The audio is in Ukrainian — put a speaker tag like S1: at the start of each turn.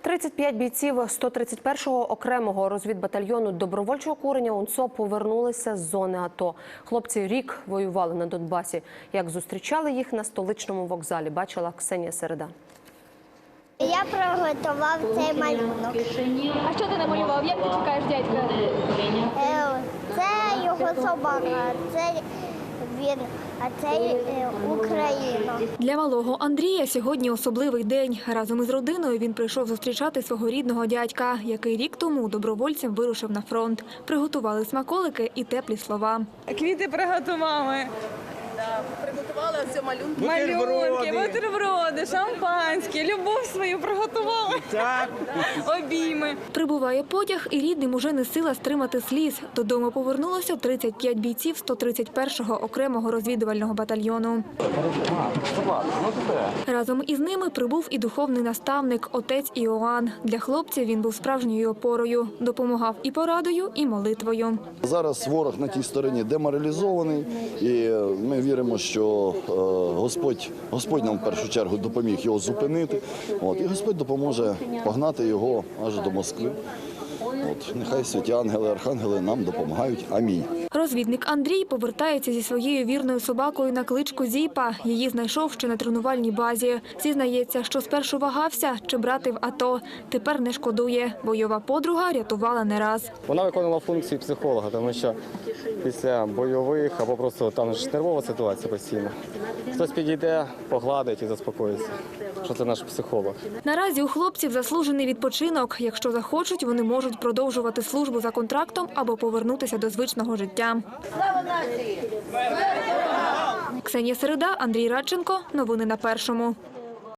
S1: 35 бійців 131-го окремого розвідбатальйону добровольчого курення УНСО повернулися з зони АТО. Хлопці рік воювали на Донбасі. Як зустрічали їх на столичному вокзалі, бачила Ксенія Середа.
S2: Я приготував цей малюнок.
S3: А що ти намалював? Як ти чекаєш дядька?
S2: Це його собака, це він, а це Україна.
S3: Для малого Андрія сьогодні особливий день. Разом із родиною він прийшов зустрічати свого рідного дядька, який рік тому добровольцем вирушив на фронт. Приготували смаколики і теплі слова.
S4: Квіти приготували.
S5: Приготували ось малюнки.
S4: Малюнки, бутерброди, шампанське, любов свою приготували. Так. Обійми.
S3: Прибуває потяг, і рідним уже не сила стримати сліз. Додому повернулося 35 бійців 131-го окремого розвідувального батальйону. Разом із ними прибув і духовний наставник, отець Іоанн. Для хлопців він був справжньою опорою. Допомагав і порадою, і молитвою.
S6: Зараз ворог на тій стороні деморалізований, і ми віримо, що Господь нам в першу чергу допоміг його зупинити. І Господь допоможе погнати його аж до Москви. Нехай святі ангели, архангели нам допомагають. Амінь.
S3: Розвідник Андрій повертається зі своєю вірною собакою на кличку Зіпа. Її знайшов ще на тренувальній базі. Зізнається, що спершу вагався, чи брати в АТО. Тепер не шкодує. Бойова подруга рятувала не раз.
S7: Вона виконувала функції психолога, тому що після бойових або просто там ж нервова ситуація постійно. Хтось підійде, погладить і заспокоїться, що це наш психолог.
S3: Наразі у хлопців заслужений відпочинок. Якщо захочуть, вони можуть продовжувати службу за контрактом або повернутися до звичного життя.
S5: Слава нації!
S3: Ксенія Середа, Андрій Радченко. Новини на Першому.